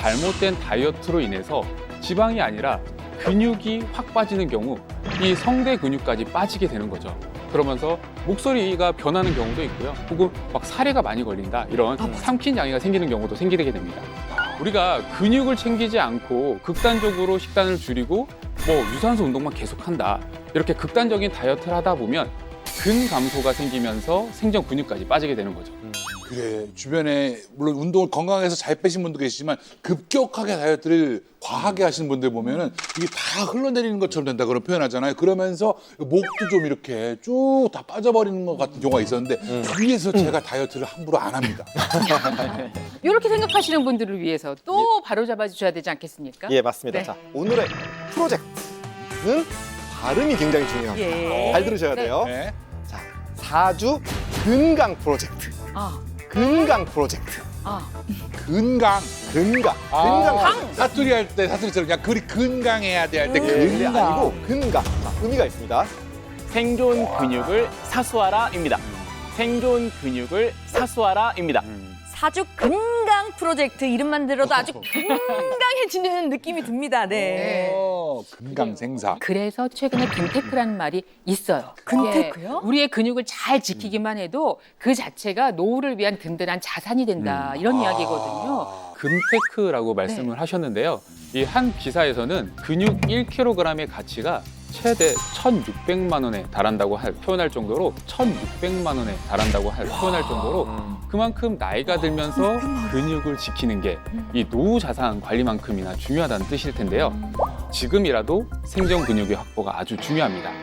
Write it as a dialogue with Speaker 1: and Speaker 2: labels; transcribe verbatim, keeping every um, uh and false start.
Speaker 1: 잘못된 다이어트로 인해서 지방이 아니라 근육이 확 빠지는 경우 이 성대 근육까지 빠지게 되는 거죠. 그러면서 목소리가 변하는 경우도 있고요. 혹은 막 사례가 많이 걸린다 이런 삼킨 장애가 생기는 경우도 생기게 됩니다. 우리가 근육을 챙기지 않고 극단적으로 식단을 줄이고 뭐 유산소 운동만 계속한다 이렇게 극단적인 다이어트를 하다 보면 근 감소가 생기면서 생전 근육까지 빠지게 되는 거죠.
Speaker 2: 그래, 주변에 물론 운동을 건강해서 잘 빼신 분도 계시지만 급격하게 다이어트를 과하게 하시는 분들 보면은 이게 다 흘러내리는 것처럼 된다 그런 표현하잖아요. 그러면서 목도 좀 이렇게 쭉 다 빠져버리는 것 같은 경우가 있었는데 위에서 제가 다이어트를 함부로 안 합니다.
Speaker 3: 이렇게 생각하시는 분들을 위해서 또 바로잡아 주셔야 되지 않겠습니까?
Speaker 4: 예, 맞습니다.
Speaker 3: 네.
Speaker 4: 자, 오늘의 프로젝트는 발음이 굉장히 중요합니다.
Speaker 3: 예.
Speaker 4: 잘 들으셔야 돼요.
Speaker 2: 네.
Speaker 4: 자, 사주 근강 프로젝트.
Speaker 3: 아,
Speaker 4: 근강 프로젝트.
Speaker 3: 아,
Speaker 2: 근강.
Speaker 4: 근강.
Speaker 2: 아,
Speaker 4: 근강.
Speaker 2: 사투리 할 때 사투리처럼 그냥 그리 근강해야 돼 할 때
Speaker 4: 예, 근데
Speaker 2: 근강.
Speaker 4: 아니고 근강. 자, 의미가 있습니다.
Speaker 5: 생존 근육을 사수하라입니다. 생존 근육을 사수하라입니다.
Speaker 6: 사주 근강 프로젝트 이름만 들어도 아주 건강해지는 느낌이 듭니다. 네.
Speaker 2: 어, 근강생사.
Speaker 3: 그래서 최근에 근테크라는 말이 있어요.
Speaker 6: 근테크요?
Speaker 3: 예, 우리의 근육을 잘 지키기만 해도 그 자체가 노후를 위한 든든한 자산이 된다 이런 이야기거든요.
Speaker 1: 근테크라고 말씀을 하셨는데요. 이 한 기사에서는 근육 일 킬로그램의 가치가 최대 천육백만 원에 달한다고 할, 표현할 정도로 천육백만 원에 달한다고 할, 표현할 정도로 그만큼 나이가 들면서 근육을 지키는 게 이 노후 자산 관리만큼이나 중요하다는 뜻일 텐데요. 지금이라도 생존 근육의 확보가 아주 중요합니다.